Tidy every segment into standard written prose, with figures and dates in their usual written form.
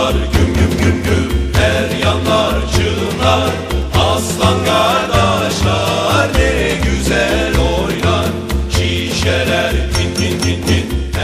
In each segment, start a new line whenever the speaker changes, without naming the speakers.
çalar güm güm güm güm, her yanlar çığlar. Aslan kardeşler ne güzel oynar, şişeler tin tin tin tin.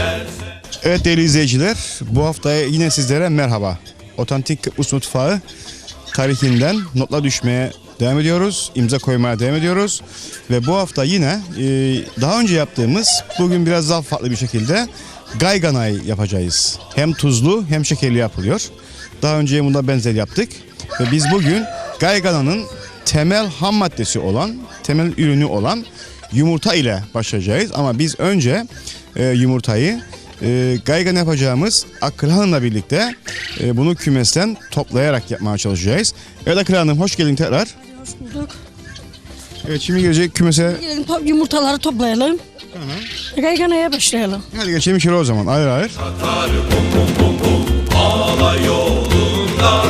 Evet değerli izleyiciler, bu hafta yine sizlere merhaba. Otantik Kıbrıs mutfağı tarihinden notlar düşmeye devam ediyoruz, imza koymaya devam ediyoruz. Ve bu hafta yine daha önce yaptığımız, bugün biraz daha farklı bir şekilde gayganay yapacağız. Hem tuzlu hem şekerli yapılıyor. Daha önce bunda benzer yaptık. Ve biz bugün gaygananın temel ham maddesi olan, temel ürünü olan yumurta ile başlayacağız. Ama biz önce yumurtayı gaygan yapacağımız Akıl Hanım'la birlikte bunu kümesten toplayarak yapmaya çalışacağız. Evet Akıl Hanım, hoş geldin tekrar.
Hoş bulduk.
Evet, şimdi gelecek kümese.
Gelin yumurtaları toplayalım. Gayganaya başlayalım.
Hadi geçelim içeri o zaman, ayrı ayrı.
Tatar bum bum bum bum, ağla yolunda.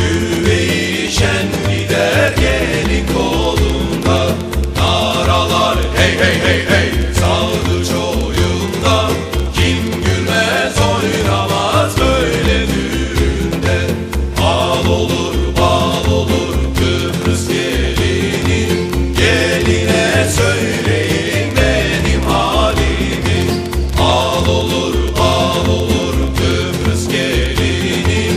Güveyi şen gider gelin kolunda. Naralar hey hey hey hey, sağdı çoyunda. Kim gülmez oynamaz böyle düğünde. Al olur bal olur Kıbrıs gelini. Geline söyleyin benim halimi. Al olur bal olur Kıbrıs gelini.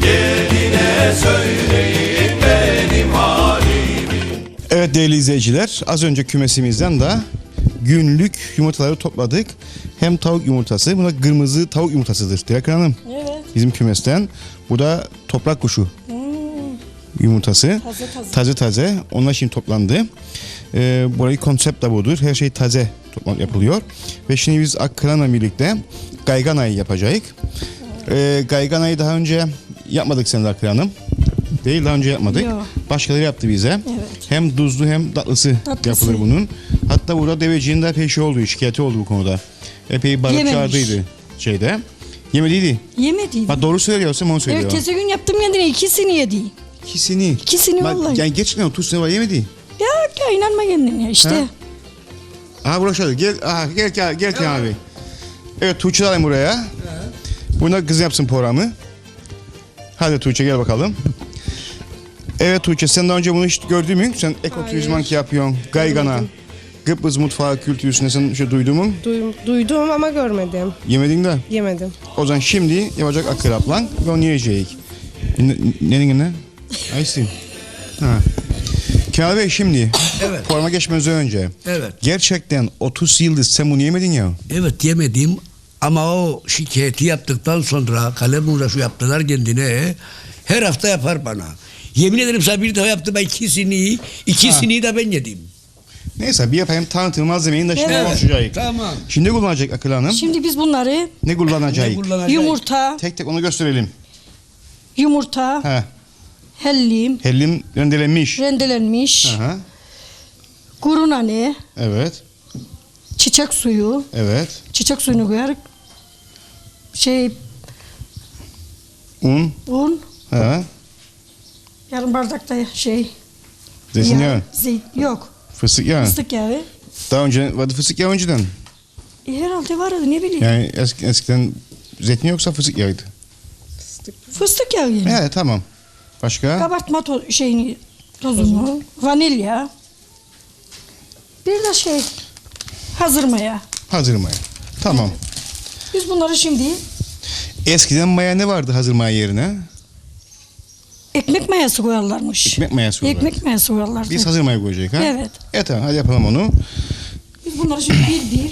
Geline söyleyin benim halimi.
Evet değerli izleyiciler, az önce kümesimizden de günlük yumurtaları topladık. Hem tavuk yumurtası, bu da kırmızı tavuk yumurtasıdır Dilek Hanım.
Evet.
Bizim kümesten. Bu da toprak kuşu yumurtası.
Taze.
Taze. Onlar şimdi toplandı. Burayı konsept de budur. Her şey taze yapılıyor. Ve şimdi biz Akran'la birlikte gayganayı yapacağız. Gayganayı daha önce yapmadık seninle Akran Hanım. Değil, daha önce yapmadık.
Yok.
Başkaları yaptı bize.
Evet.
Hem tuzlu hem tatlısı yapılır bunun. Hatta burada deveciğin de epey şey oldu, şikayeti oldu bu konuda. Epey bağırıp
Yememiş.
çağırdıydı şeyde. Yemediydi.
Yemediydim.
Bak doğru söylüyorsam onu söylüyor.
Evet, tezi gün yaptım kendine, ikisini yedi.
İkisini.
İkisini
Bak,
vallahi.
yani gerçekten 30 sene var yemedi.
Ya inanma kendine işte.
Ha? Aha burası gel. Aha gel abi. Evet, Tuğçe alayım buraya. Buna kız yapsın programı. Hadi Tuğçe gel bakalım. Evet Tuğçe, sen daha önce bunu hiç gördün mü? Sen ekoturizmanki yapıyorsun. Gaygana. Kıbrıs mutfağı kültürüsünde sen şey duydun mu?
Duydum ama görmedim.
Yemedin de.
Yemedim.
O zaman şimdi yapacak Akıl ablan ve onu yiyeceğiz. Ne? Aysin. Ha. Kemal Bey, şimdi
Evet.
programa geçmeden önce
Evet.
gerçekten 30 yıldır sen bunu yemedin ya.
Evet, yemedim ama o şikayeti yaptıktan sonra kalem uğraşı yaptılar kendine. Her hafta yapar bana. Yemin ederim sana bir daha yaptı, ben ikisini de ben yedim.
Neyse, bir yapayım tanıtım malzemeyi de şimdi
Evet.
konuşacağız.
Tamam.
Şimdi kullanacak Akıl Hanım.
Şimdi biz bunları
Ne kullanacak?
yumurta,
Tek tek onu gösterelim.
yumurta,
He.
hellim,
Hellim rendelenmiş.
rendelenmiş,
Aha.
kuru nane,
Evet.
çiçek suyu,
Evet.
çiçek suyunu koyarız.
Un.
Un,
He.
yarım bardakta
Zeytinyağı.
yok,
Fıstık yağı.
fıstık yağı.
Daha önce vardı fıstık yağı önceden.
Herhalde vardı, ne bileyim.
Yani eskiden zeytin yoksa fıstık yağıydı.
Fıstık yağı yani.
Evet, tamam. Başka?
Kabartma tozunu, vanilya. Bir de hazır maya.
Hazır maya. Tamam.
Biz bunları şimdi
Eskiden maya ne vardı hazır maya yerine?
ekmek mayası koyarlarmış.
Ekmek mayası koyarlar.
Ekmek mayası koyarlardı.
Biz hazır maya koyacağız ha?
Evet.
Evet, tamam, hadi yapalım onu.
Biz bunları şimdi bir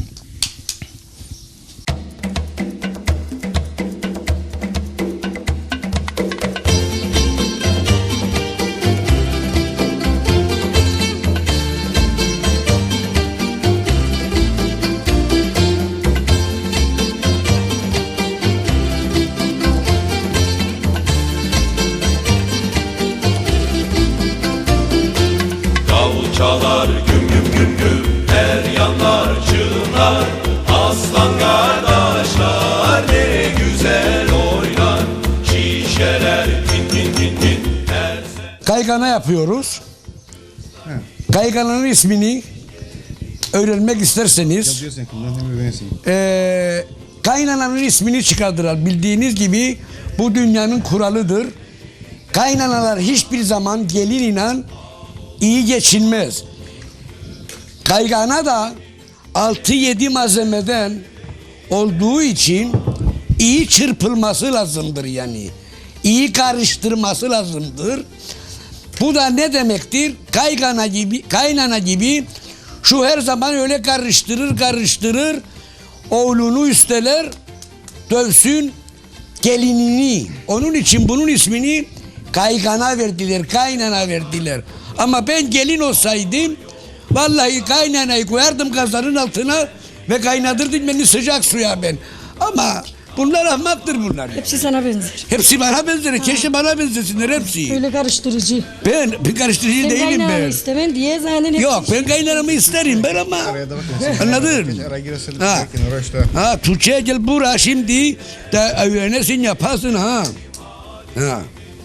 Davul çalar güm güm güm güm, her yanlar çığlar. Aslan kardeşler ne güzel oynar, şişeler tin tin tin tin.
Kaygana yapıyoruz. Kaygananın ismini öğrenmek isterseniz kaynananın ismini çıkardılar. Bildiğiniz gibi bu dünyanın kuralıdır. Kaynanalar hiçbir zaman gelinle iyi geçinmez. Kaygana da 6-7 malzemeden olduğu için iyi çırpılması lazımdır yani. İyi karıştırması lazımdır. Bu da ne demektir? Kaynana gibi şu her zaman öyle karıştırır. Oğlunu üsteler, dövsün gelinini. Onun için bunun ismini kaygana verdiler, kaynana verdiler. Ama ben gelin olsaydım vallahi kaynanayı koyardım kazanın altına ve kaynatırdım beni sıcak suya ben. Ama bunlar ahmaktır bunlar.
Hepsi sana benzer.
Hepsi bana benzer. Keşke bana benzesinler hepsi.
Öyle karıştırıcı.
Ben bir karıştırıcı
Sen
değilim
kaynağını
ben.
istemen diye zaten hepsi.
Yok ben kaynanamı isterim ben ama. Anladın? Ha Tuğçe gel buraya şimdi de öğrenesin yapasın ha. Ha.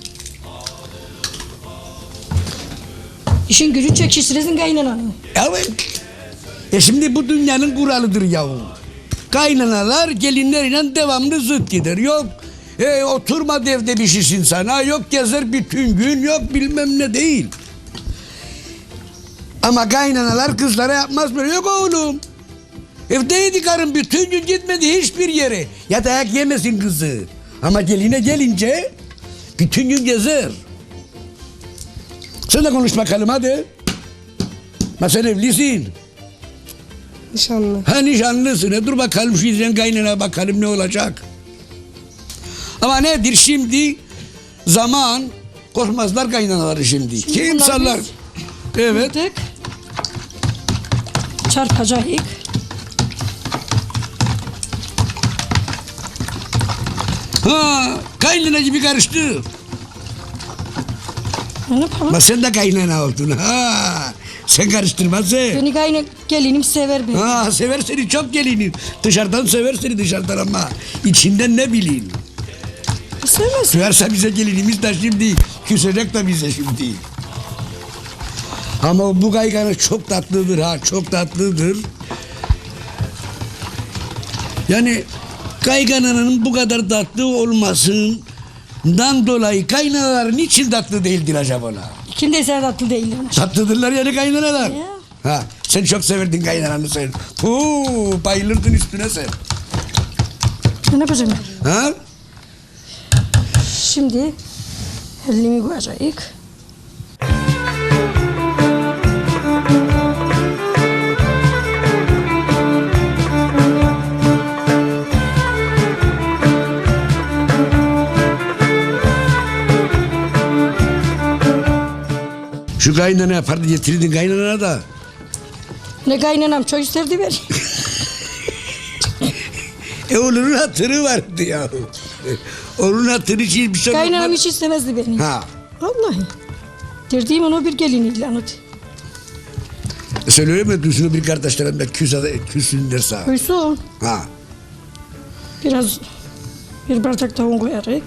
İşin gücü çekiştiresin kaynananı.
Evet. Şimdi bu dünyanın kuralıdır yahu. Kaynanalar gelinleriyle devamlı zıt gider. Yok oturma evde pişirsin sana. Yok gezer bütün gün. Yok bilmem ne değil. Ama kaynanalar kızlara yapmaz böyle. Yok oğlum. Evdeydi karın bütün gün gitmedi hiçbir yere. Ya dayak yemesin kızı. Ama geline gelince bütün gün gezer. Sen de konuş bakalım hadi. Ma sen evlisin.
Nişanlı.
Ha nişanlısın. Dur bakalım şu yüzden kaynana bakalım ne olacak. Ama nedir şimdi? Zaman korkmazlar kaynanaları şimdi. Kim
bunlar
sallar?
biz
Evet.
Tık. Çarpacak.
Ha kaynana gibi karıştı.
Ne yapalım?
Ama sen de kaynana oldun. Ha sen karıştırmazsın.
Beni gelinim sever beni.
Ha sever seni çok gelinin. Dışarıdan sever seni dışarıdan ama içinden ne bileyim.
Sevmez.
Duyarsa bize gelinimiz de şimdi küsecek de bize şimdi. Ama bu kaygana çok tatlıdır ha çok tatlıdır. Yani kaygananın bu kadar tatlı olmasından dolayı kaynanalar niçin tatlı değildir acaba?
Kim de sen tatlı değildir.
Tatlıdırlar yani kaynanalar.
Ya.
Ha, sen çok severdin kaynananı sen. Bayılırdın üstüne sen.
Ne yapacağım?
Ha?
Şimdi elimi koyacak.
Şu kaynana yapardı getirdin kaynanana da.
Ne kaynanam çok sevdi beni.
Onun hatırı vardı ya. Onun hatırı için bir şey
Kaynanam
olmaz.
hiç istemezdi beni.
Ha.
Vallahi. Derdiğim ona bir gelin ilanı.
Sen öyle mi diyorsun bir kardeşlerim de küsün derse.
Koysun.
Ha.
Biraz bir bardak da un koyarak.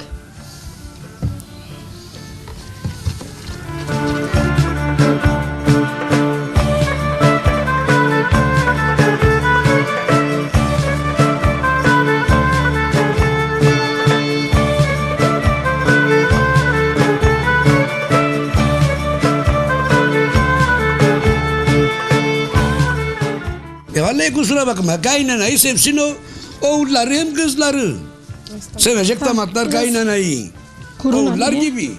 Vallahi kusura bakma kaynanayı sevsin o oğulları hem kızları. Sevecek damatlar kaynanayı.
Kurun
Oğullar
anne.
gibi.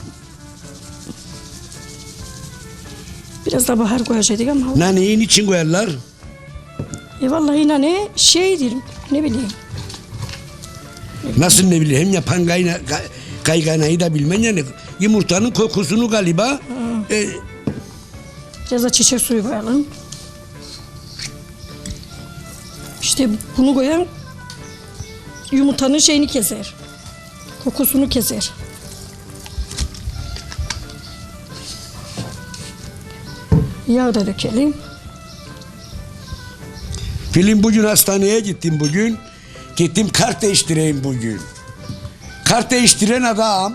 Biraz da bahar koyacaktık ama.
Naneyi niçin koyarlar?
Vallahi nane şeydir. Ne bileyim.
Nasıl ne bileyim hem yapan kayganayı da bilmen yani. Yumurtanın kokusunu galiba.
Biraz da çiçek suyu koyalım. İşte bunu koyan yumurtanın şeyini keser. Kokusunu keser. Yağ da dökelim.
Film bugün hastaneye gittim bugün. Gittim kart değiştireyim bugün. Kart değiştiren adam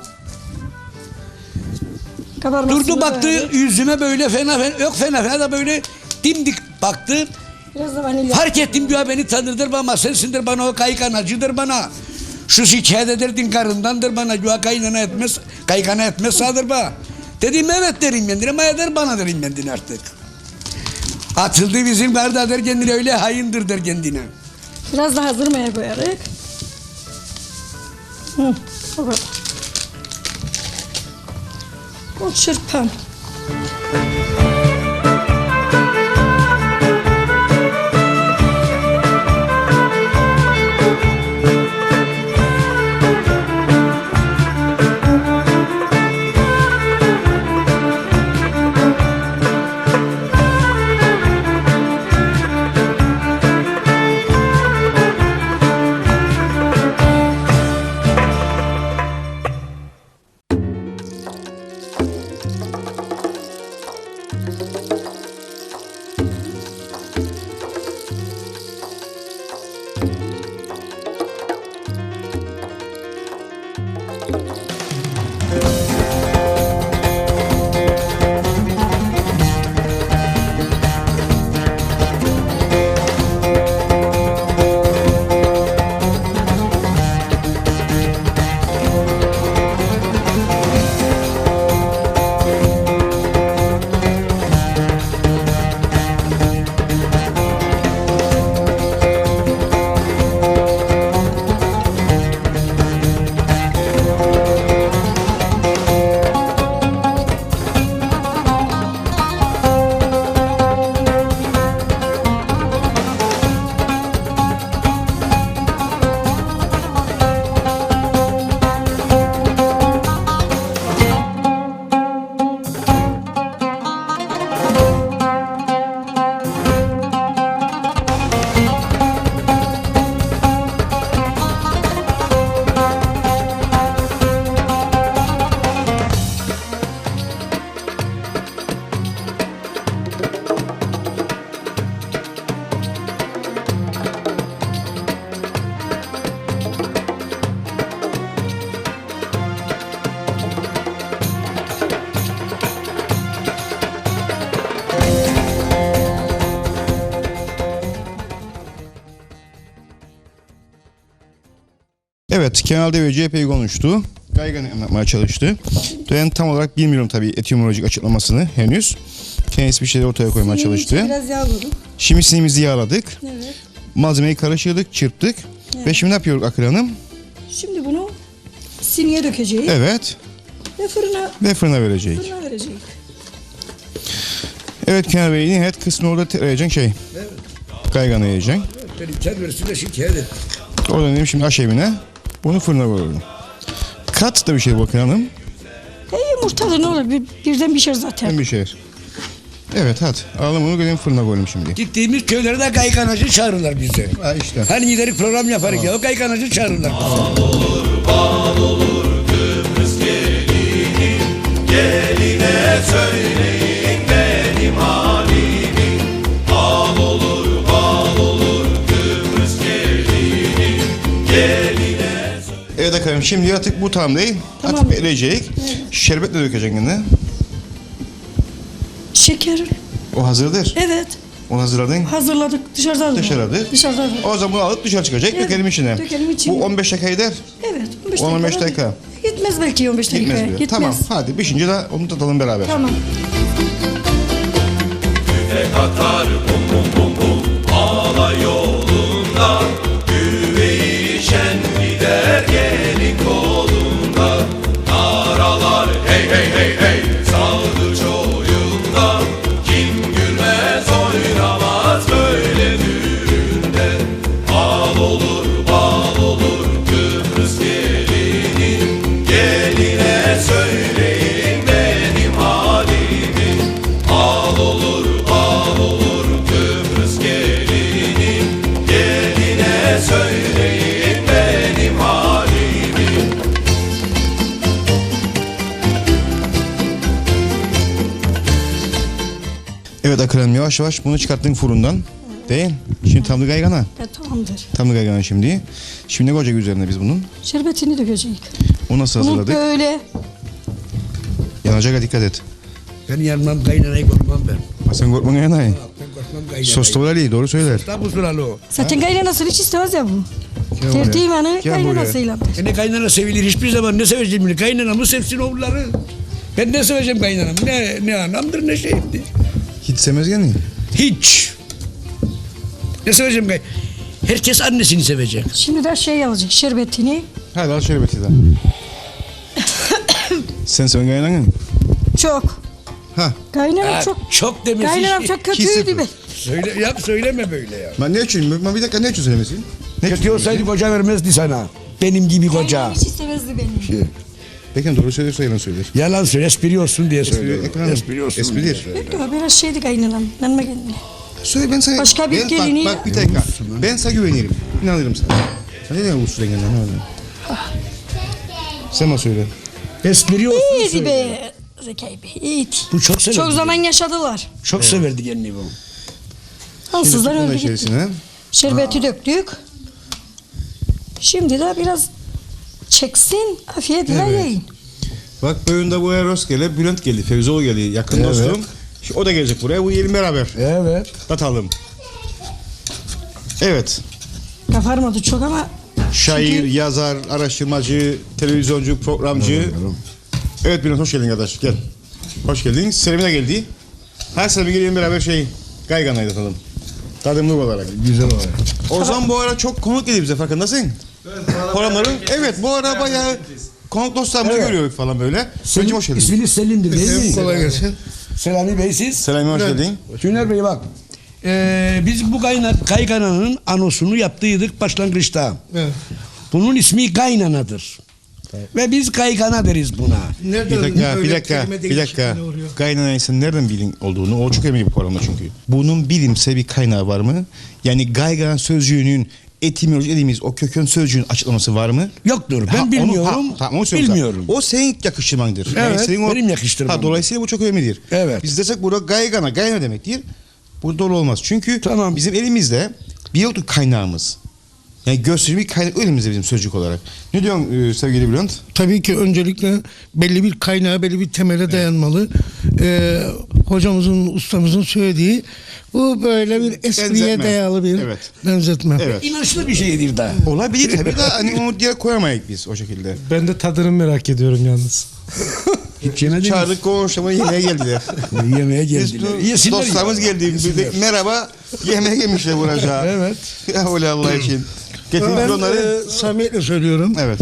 Kabarmasını
durdu baktı
koyalım.
yüzüme böyle fena yok fena da böyle dimdik baktı.
Biraz da vanilya.
Fark ettim diyor beni tanırdır ama sensindir bana o kayganacıdır bana. Şu şikayet ederdin karındandır bana. Güya kaygana etmez sağdır bana. Dedim evet derim kendine ama eder bana derim kendine artık. Atıldı bizim karda der kendine öyle hayındır der kendine.
Biraz da hazırmaya koyarak. O kadar. O çırpan.
Evet, Kemal Deveci epey konuştu. Gaygan'ı anlatmaya çalıştı. Ben tam olarak bilmiyorum tabii etimolojik açıklamasını henüz. Kendisi bir şeyler ortaya koymaya çalıştı.
Biraz yağladım.
Şimdi sinimizi yağladık.
Evet.
Malzemeyi karıştırdık, çırptık. Ve şimdi ne yapıyoruz Akıl Hanım?
Şimdi bunu siniye dökeceğiz.
Evet.
Ve
Fırına verecek.
fırına vereceğiz.
Evet Kemal Bey, nihayet kısmı orada yiyeceksin şey.
Evet.
Gaygan'ı yiyeceksin.
Benim çadırısıyla şikayet et.
Oradan dedim şimdi aşevine. Bunu fırına koyuyorum. Kat da bir şey Bakın Hanım.
Yumurtalı ne olur birden pişer zaten.
Hem bir şey. Evet hadi. Alalım bunu gidelim fırına koyalım şimdi.
Gittiğimiz köylere de kayganacı çağırırlar bizi.
Ha işte.
Hani giderek program yaparız ya o kayganacı çağırırlar bizi.
Bal olur Kıbrıs gelinim, geline söyleyin benim halimi. Bal olur Kıbrıs gelinim, geline söyleyin.
Evet efendim şimdi artık bu tam değil.
Tamam.
Atıp erecek. Şerbetle dökeceksin yine.
Şeker.
O hazırdır.
Evet.
Onu hazırladın.
Hazırladık. Dışarıda aldım.
Dışarıda.
Dışarıda aldım.
O zaman bunu alıp dışarı çıkacak.
Evet,
Dökelim içine.
dökelim içine.
Bu 15 dakika eder.
Evet.
15 dakika.
Gitmez belki 15 dakika.
Gitmez bile. Tamam hadi pişince de onu tatalım beraber.
Tamam.
Tüfek atar bum bum bum bum alay yolunda, güveyi şen gider gelin kolunda. Naralar hey hey hey hey saldı çoyunda, kim gülmez oynamaz böyle düğünde. Bal olur Kıbrıs gelinim, geline söyleyin benim halimi. Bal olur Kıbrıs gelinim, geline söyleyin benim halimi.
Evet Akıl Hanım yavaş yavaş bunu çıkarttın fırından. Değil. Şimdi tamlı gaygana.
Tamamdır.
Tamlı gaygana şimdi. Şimdi ne koyacak üzerine biz bunun?
Şerbetini dökeceğiz.
Onu nasıl
Bunu
hazırladık?
böyle
Yanacak dikkat et.
Ben yanmam kaynanayı korkmam ben.
Ha, sen korkma yanayı.
Ben korkmam kaynanayı.
Sos da var Ali doğru söyler.
Tabi suralı o.
zaten gayrı nasıl hiç istemez ya bu. Tertibanı
Gel buraya.
kaynanasıyla.
Ne kaynana sevilir hiçbir zaman, ne seveceğim beni? Kaynanamı sevsin oğulları. Ben ne seveceğim kaynanam? Ne anamdır ne şeyimdir.
Hiç sevmez yani.
Hiç. Ne seveceğim herkes annesini sevecek.
Şimdi de şey alacak şerbetini.
Hadi al şöyle Betida. Sen seven kaynanın.
Çok.
Ha.
Kaynanam çok.
Çok demesi.
Kaynanam çok kötüydü be.
Söyleme böyle ya.
Ben ne için? Ben bir dakika ne için söylemesin? Ne için
Kötü olsaydı koca vermezdi sana. Benim gibi koca.
Kaynanam hiç istemezdi beni.
Peki doğru söylüyorsa yalan söyler.
Yalan söyle, espri olsun diye söylüyorum.
Espri olsun. Espridir.
Yok biraz şeydi kaynanam. Yanıma geldi.
Söyle ben sana.
Başka bir
ben,
gelini-
Bak bir dakika. Ben sana güvenirim. İnanırım sana. Sen ne diyorsun usul renginden? Sen bana söyle.
Espri olsun
İyiydi
söyle.
be. Zekai Bey iyiydi.
Bu çok severdi.
Çok zaman yaşadılar.
Çok severdi kendini bu.
Ansızlar
Bunun
öldü gitti.
içerisine.
Şerbeti döktük. Şimdi de biraz çeksin. Afiyetle yiyin.
Bak bugün bu Eros geldi, Bülent geldi, Fevzoğlu geldi, yakın dostum. Şimdi o da gelecek buraya, bu yiyelim beraber.
Evet.
Tatalım. Evet.
Kafarmadı çok ama
Şair, yazar, araştırmacı, televizyoncu, programcı. Evet Bülent hoş geldin kardeş, gel. Hoş geldin. Selim'e geldi. Her sene bir gelelim beraber Gaygana'yı tatalım. Tadımlık olarak.
Güzel olarak.
O zaman bu ara çok konuk geliyor bize farkındasın. Programların. Evet bu ara bayağı konuk dostlarımızı görüyoruz falan böyle. Selim hoş geldin.
İsminiz Selim'dir değil mi?
Kolay gelsin.
Selami Bey siz?
Selami hoş geldin.
Tüner Bey bak. Biz bu kaygananın anosunu yaptıydık başlangıçta.
Evet.
Bunun ismi kaynanadır. Ve biz kaygana deriz buna.
Nereden
Bir dakika. Kaynana insan nereden bilin olduğunu o çok emin bir programda çünkü. Bunun bilimsel bir kaynağı var mı? Yani gaygana sözcüğünün etimoloji dediğimiz o kökön sözcüğün açıklaması var mı?
Yoktur. Ben
Ha,
bilmiyorum.
onu söyleyeyim
bilmiyorum.
sana. O senin yakıştırmandır.
Evet,
senin
benim yakıştırmam.
Dolayısıyla bu çok önemlidir.
Evet.
Biz desek burada gayna demektir. Bu doğru olmaz. Çünkü
Tamam.
bizim elimizde bir yoktur kaynağımız. Yani gösterici bir kaynak elimizde bizim sözcük olarak. Ne diyorsun sevgili Bülent?
Tabii ki öncelikle belli bir kaynağa, belli bir temele dayanmalı. Hocamızın, ustamızın söylediği bu böyle bir espriye
Benzetme.
dayalı bir
Evet.
benzetme.
Evet.
İnançlı bir şeydir da.
Olabilir tabii de hani onu diye koyamayız biz o şekilde.
Ben de tadını merak ediyorum yalnız.
Hiç yemediniz.
Çağırdık konuşmaya yemeğe geldiler.
Yemeğe
Biz
geldiler. Yesinler
dostlarımız
ya.
geldi. Biz de merhaba yemeğe gelmişler buraya.
Evet.
Ya öyle Allah için. Getirdik
Ben
onları.
samimiyetle söylüyorum.
Evet.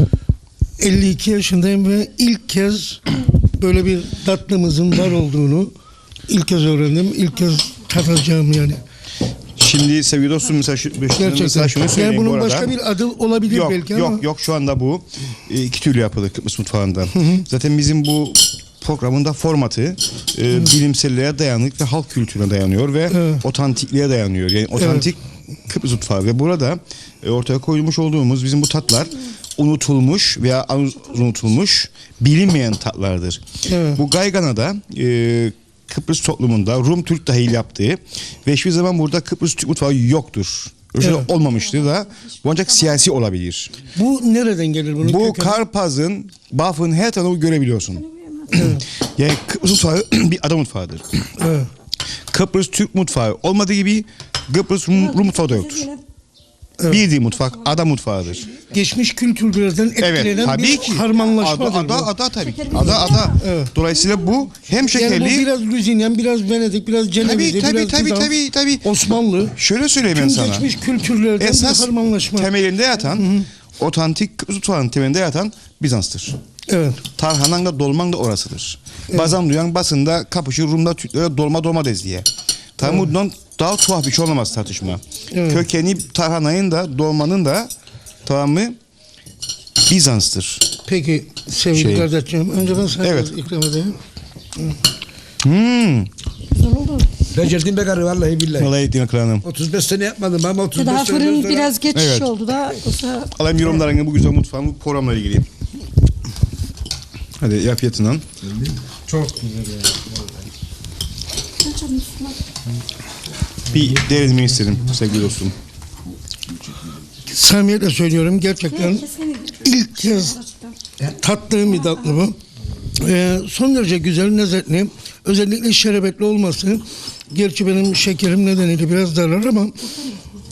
52 yaşındayım ve ilk kez böyle bir tatlımızın var olduğunu ilk kez öğrendim. İlk kez tadacağım yani.
Şimdi sevgili dostum mesela
Gerçekten.
şunu
Yani
söyleyeyim bu
bunun
arada.
başka bir adı olabilir
Yok
belki ama.
yok şu anda bu iki türlü yapılır Kıbrıs mutfağından. Zaten bizim bu programın da formatı bilimselliğe dayanık ve halk kültürüne dayanıyor ve otantikliğe dayanıyor. Yani otantik Kıbrıs mutfağı ve burada ortaya koymuş olduğumuz bizim bu tatlar unutulmuş veya unutulmuş bilinmeyen tatlardır.
Evet.
Bu Gaygana'da Kıbrıs toplumunda Rum Türk dahil yaptığı ve hiçbir zaman burada Kıbrıs Türk mutfağı yoktur. Öyle şey
Evet.
olmamıştır da bu ancak siyasi olabilir.
Bu nereden gelir bunun
Bu
kökeni?
Karpaz'ın, Baf'ın her tarafını görebiliyorsun. Yani Kıbrıs mutfağı bir ada mutfağıdır.
Evet.
Kıbrıs Türk mutfağı olmadığı gibi Kıbrıs Rum mutfağı da yoktur. Bildiği mutfak ada mutfağıdır.
Geçmiş kültürlerden etkilenen
Evet, tabii
bir
ki.
harmanlaşmadır bu.
Ada tabii ki. Ada. Dolayısıyla bu hem şekerli.
Yani bu biraz Lüzinyen, biraz Venedik, biraz Cenevizli, biraz
Tabii.
Osmanlı.
Şöyle söyleyeyim ben
Tüm
sana.
geçmiş kültürlerden
Esas
bir harmanlaşma.
temelinde yatan, otantik Kıbrıs mutfağının temelinde yatan Bizans'tır.
Evet.
Tarhanan da dolman da orasıdır. Bazen duyan basında kapışır Rum'da Türklere dolma dez diye. Tabii bundan daha tuhaf bir şey olamaz tartışma.
Evet.
Kökeni tarhanayın da dolmanın da tamam mı Bizans'tır.
Peki sevgili
Şey.
kardeşim, önce ben sana
Evet.
ikram edeyim.
güzel oldu.
Becerdim be karı vallahi billahi.
Vallahi ettiğin kralım.
35 sene yapmadım ama 35
Daha
sene
fırın
sonra-
biraz geç
Evet.
oldu da. Yoksa
Alayım yorumlarını bu güzel mutfağın bu programla ilgili. Hadi yap yatından.
Çok güzel ya.
Bir derinmeyi istedim sevgili dostum.
Samimiyetle söylüyorum, gerçekten ilk kez tattığım bir tatlı bu. Son derece güzel, lezzetli. Özellikle şerbetli olması. Gerçi benim şekerim nedeniyle biraz darlar ama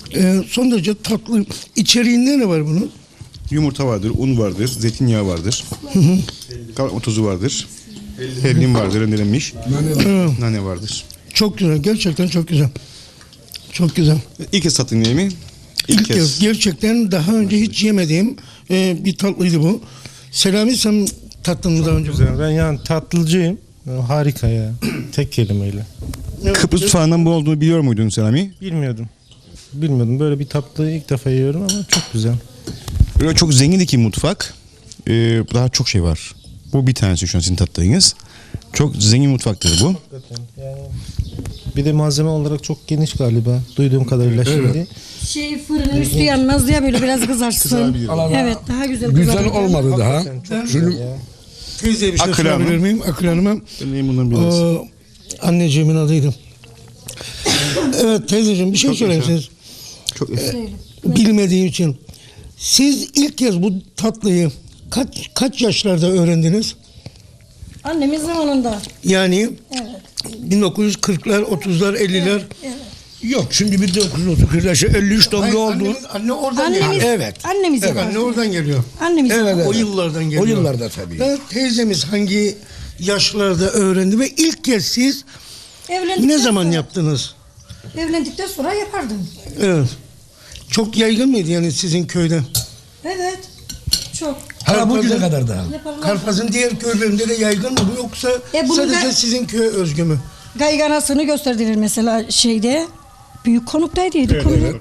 Son derece tatlı. İçeriğinde ne var bunun?
Yumurta vardır, un vardır, zeytinyağı vardır. Kabartma tozu vardır. Hellim vardır, rendelenmiş. Nane vardır.
Çok güzel. Gerçekten çok güzel. Çok güzel.
İlk kez tattın değil mi?
İlk kez. Gerçekten daha önce hiç yemediğim bir tatlıydı bu. Selami sen tattın mı daha önce?
Güzel. Ben yani tatlıcıyım. Harika ya. Tek kelimeyle.
Kıbrıs mutfağından bu olduğunu biliyor muydun Selami?
Bilmiyordum. Bilmiyordum. Böyle bir tatlıyı ilk defa yiyorum ama çok güzel.
Böyle çok zengin iki mutfak. Daha çok şey var. Bu bir tanesi şu an sizin tattığınız. Çok zengin mutfaktır bu.
Hakikaten. Yani bir de malzeme olarak çok geniş galiba. Duyduğum kadarıyla şimdi.
Şey fırının üstü yanmaz diye böyle biraz kızarsın. Evet daha güzel
Güzel
kızarır.
olmadı daha.
Hakikaten çok güzel ya.
Teyzeye bir şey
Akıl Hanım.
sorabilir miyim? Akıl Hanım'a.
Ben bundan biraz.
Anneciğimin adıydı. Evet teyzeciğim bir şey söyleyeyim siz.
Çok
Bilmediği için. Siz ilk kez bu tatlıyı kaç yaşlarda öğrendiniz?
Annemin zamanında.
Yani
Evet.
1940'lar, 30'lar, 50'ler.
Yok şimdi 1930 yaşı 53 doğumlu oldu.
Anne oradan
Annemiz,
geliyor.
Evet.
Annemiz
Evet.
yapar.
Anne oradan geliyor.
Annemiz
Evet,
yapar.
evet.
O yıllardan geliyor.
O yıllarda tabii.
Ve teyzemiz hangi yaşlarda öğrendi ve ilk kez siz
Evlendikten
ne zaman
sonra-
yaptınız?
Evlendikten sonra yapardım.
Evet. Çok yaygın mıydı yani sizin köyde?
Evet. Çok.
Hala bugüne kadar da.
Yaparlar.
Karpaz'ın diğer köylerinde de yaygın mı bu yoksa
bunu
sadece
da-
sizin köye özgü mü?
Gayganasını gösterdiler mesela şeyde. Büyük konuktaydı. Evet,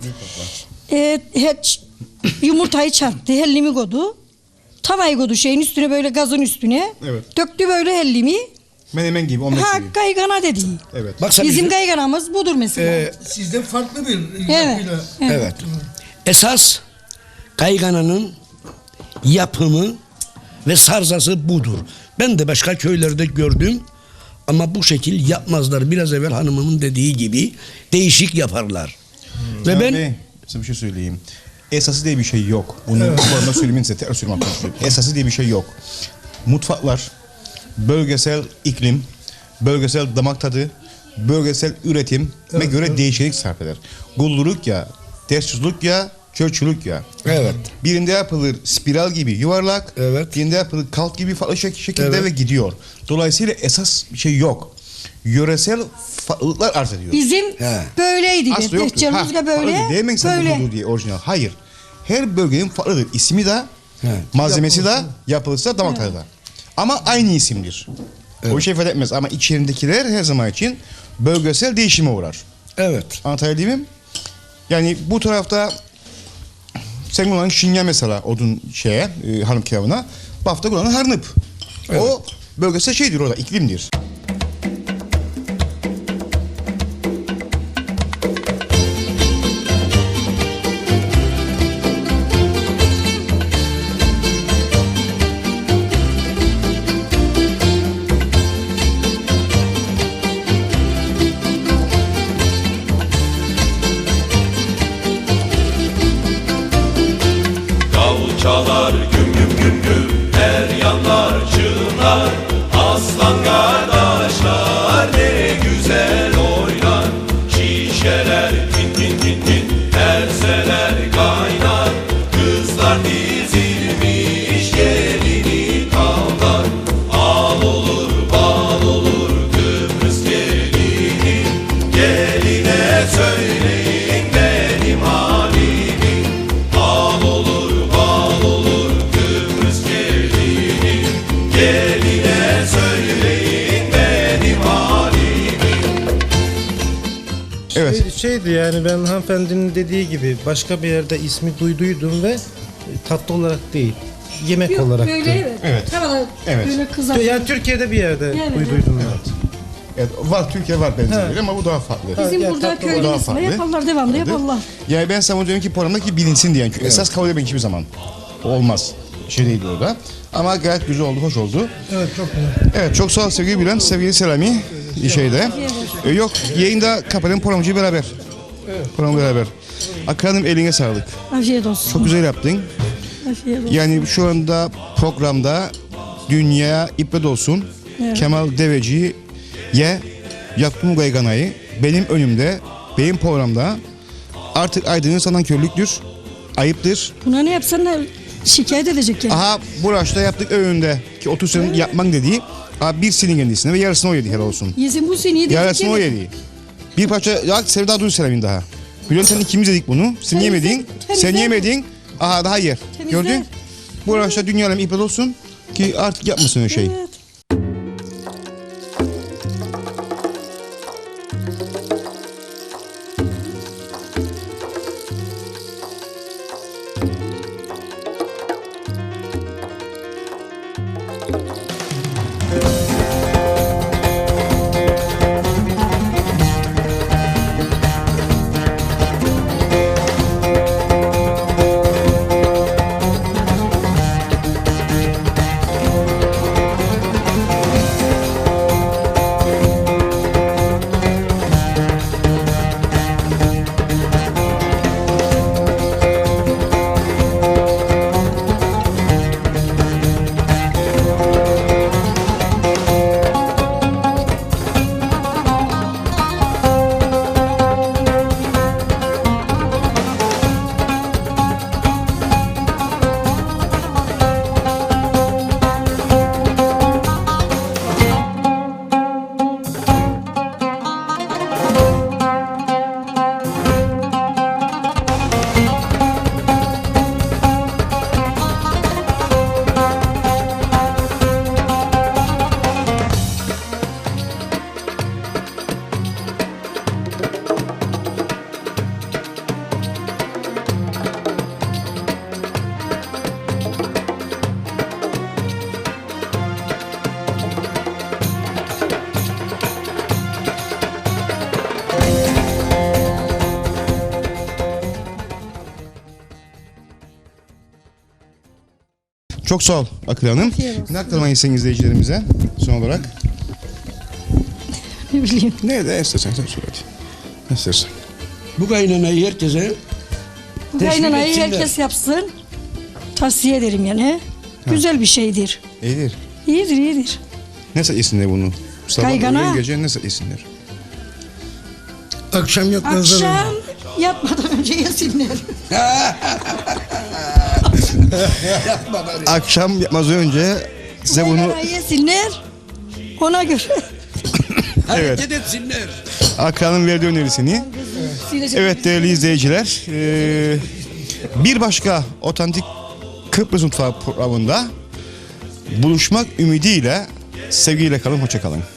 hiç yumurtayı çarptı. Hellimi koydu. Tavayı koydu şeyin üstüne böyle gazın üstüne.
Evet.
Döktü böyle hellimi.
Menemen gibi, omlet
Ha
gibi.
gaygana dedi.
Evet.
Bak sen
Bizim gayganamız budur mesela.
Sizde farklı bir
Evet.
yapıyla.
Evet. Esas kaygananın yapımı ve sarzası budur. Ben de başka köylerde gördüm ama bu şekil yapmazlar. Biraz evvel hanımımın dediği gibi değişik yaparlar. Ve
Ya
ben
bey, size bir şey söyleyeyim. Esası diye bir şey yok. Bunu bu arada söylemeyin size tekrar söylemem konuşuyorum. Esası diye bir şey yok. Mutfaklar, bölgesel iklim, bölgesel damak tadı, bölgesel üretim göre değişiklik sarf eder. Gulluluk ya, tersçuluk ya, çörçülük ya.
evet.
Birinde yapılır spiral gibi yuvarlak,
Evet.
birinde yapılır kalk gibi farklı şekilde
Evet.
ve gidiyor. Dolayısıyla esas bir şey yok. Yöresel farklılıklar arz ediyor.
Bizim
He.
böyleydi.
Aslı yoktur.
Tehcirimizde böyle.
Demeyin sen
Böyle.
bu diye orijinal. Hayır. Her bölgenin farklıdır. İsmi de, malzemesi de, yapılısı da, damak tadı da. Ama aynı isimdir. O şey ifade etmez. Ama içerindekiler her zaman için bölgesel değişime uğrar.
Evet.
Anlatabildim mi? Yani bu tarafta sen kullanın şinya mesela odun hanım kilavına. Bu hafta kullanın harnıp. O bölgesel şeydir orada, iklimdir.
Davul çalar güm güm güm güm, her yanlar çığlar. Aslan kardeşler ne güzel oynar. Şişeler tin tin tin tin, terseler kaynar. Kızlar dizilmiş gelini kavlar. Al olur bal olur Kıbrıs gelini. Geline söyleyin benim halimi. Al olur bal olur Kıbrıs gelini. Geline söyleyin benim halimi.
Evet.
Şeydi yani ben hanımefendinin dediği gibi başka bir yerde ismi duyduydum ve tatlı olarak değil. Yemek
Yok,
olarak
böyle
değil.
evet.
Evet.
Tavada
Evet.
böyle kızar.
Yani Türkiye'de bir yerde
Evet,
duyduydum ben.
Evet, var Türkiye var benzeri ama bu daha farklı.
Bizim
Ya,
burada
tatlı
köyde
daha
ismi
farklı.
yaparlar, devamlı yaparlar.
Yani ben sana diyorum ki programdaki bilinsin diyen. Çünkü esas kabul etmek hiçbir zaman olmaz. Şey değil orada. Ama gayet güzel oldu, hoş oldu.
Evet çok güzel.
Evet, çok sağ ol sevgili Bülent, sevgili Selami şeyde. Yok, yayında kapatalım programcıyı beraber. Programı beraber. Akranım eline sağlık.
Afiyet olsun.
Çok güzel yaptın.
Afiyet olsun.
Yani şu anda programda dünya ibret olsun.
Evet.
Kemal Deveci'ye yaptım gayganayı. Benim önümde, benim programda artık Aydın'ın sana körlüktür. Ayıptır.
Buna ne yapsan da şikayet edecek yani.
Aha bu raşta yaptık öğünde ki 30 senin yapman dediği. Aha bir senin kendisine ve yarısını o yedi helal olsun.
Yesin bu seni
Yarısını o yedi. Bir parça ya Sevda Duygu Selam'ın daha. Biliyorum sen ikimiz yedik bunu. Sen
Temizle-
yemedin. Sen
temizle.
yemedin. Aha daha yer.
Temizle.
Gördün? Bu raşta dünya alemi ibret olsun ki artık yapmasın öyle şey.
Evet.
Çok sağ ol Akıl Hanım. Ne aktarmayı isteyin izleyicilerimize son olarak?
Ne bileyim.
Ne de istersen sen söyle hadi. Ne istersen.
Bu kaynanayı herkese
Bu
teşvik
kaynanayı
etsinler.
herkes yapsın. Tavsiye ederim yani. Güzel bir şeydir.
İyidir.
İyidir, iyidir.
Ne yesinler bunu? Sabah
Kaygana.
öğlen gece ne yesinler?
Akşam yatmazdan önce.
Akşam yatmadan önce yesinler.
Akşam yapmaz önce size bunu
Kaynanayı yesinler. Ona göre.
hareket etsinler.
Akran'ın verdiği önerisini.
Silecek.
Evet değerli izleyiciler, bir başka otantik Kıbrıs Mutfağı programında buluşmak ümidiyle sevgiyle kalın, hoşça kalın.